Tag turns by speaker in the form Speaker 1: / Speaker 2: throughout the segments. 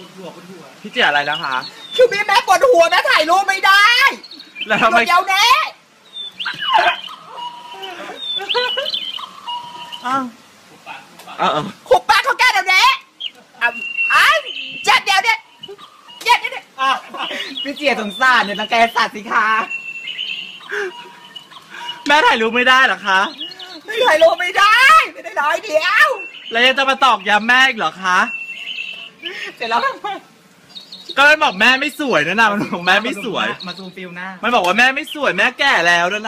Speaker 1: พี่เจียอะไรแล้วคะ
Speaker 2: คือแม่ปวดหัวแม่ถ่ายรูปไม่ได้
Speaker 1: แล้วทำไม
Speaker 2: เดี๋ยวแน่ขุบปากเขาแก้เดี๋ยวนี้เจ็ดเดี๋ยวเนี่ยพี่เจียสงสารเนี่ยนังแกสัตว์สิคะ
Speaker 1: แม่ถ่ายรูปไม่ได้หรอคะ
Speaker 2: ไม่ถ่ายรูปไม่ได้ร้อยเดียว
Speaker 1: แล้วยังจะมาตอกย้ำแม่อีกเหรอคะ
Speaker 2: เสร็จแล้ว
Speaker 1: ก็มันบอกแม่ไม่สวยนะมันบอกแม่ไม่สวย
Speaker 2: มาซูมฟิลหน้า
Speaker 1: มันบอกว่าแม่ไม่สวยแม่แก่แล้วนั่น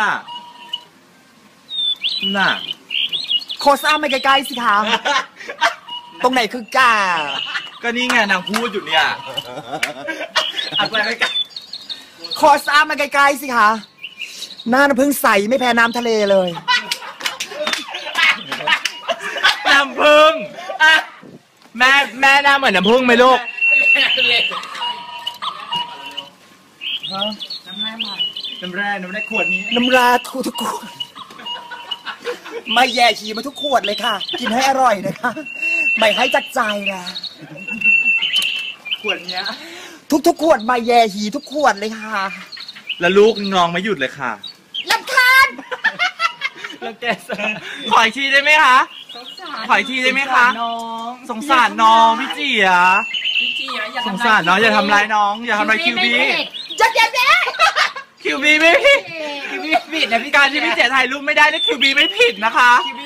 Speaker 1: น่ะ
Speaker 2: โคซ่ามาใกล้ๆสิคะตรงไหนคือกา
Speaker 1: ก็นี่ไงนางพูดอยู่เนี่ย
Speaker 2: อะไรไม่กล้าโคซ่ามาใกล้ๆสิคะหน้าน้ำพึ่งใสไม่แพ้น้ำทะเลเลย
Speaker 1: น้ำพึ่งแม่หน้าเหมือนน้ำพึ่งไหมลูก
Speaker 2: น้ำแร่ขวดนี้น้ำแร่ทุกขวดไม่แย่ฉี่มาทุกขวดเลยค่ะกินให้อร่อยนะคะไม่ให้จักใจนะ
Speaker 1: ขวดเนี้ย
Speaker 2: ทุกขวดไม่แย่ฉี่ทุกขวดเลยค่ะ
Speaker 1: แล้วลูกงองไม่หยุดเลยค่ะ
Speaker 2: รำคาญ
Speaker 1: แล้วแกขออีกทีได้ไหมคะขออีกทีได้ไหมคะสงสารน้องพี่จี๋สงสารน้องอย่าทำร้ายน้องอย่าทำร้ายคิวบี
Speaker 2: จะเจ็บแน่
Speaker 1: คิวบีไม่ผิดการที่พี่เจ๋ถ่ายรูปไม่ได้นี่คิวบีไม่ผิดนะคะ
Speaker 2: คิวบี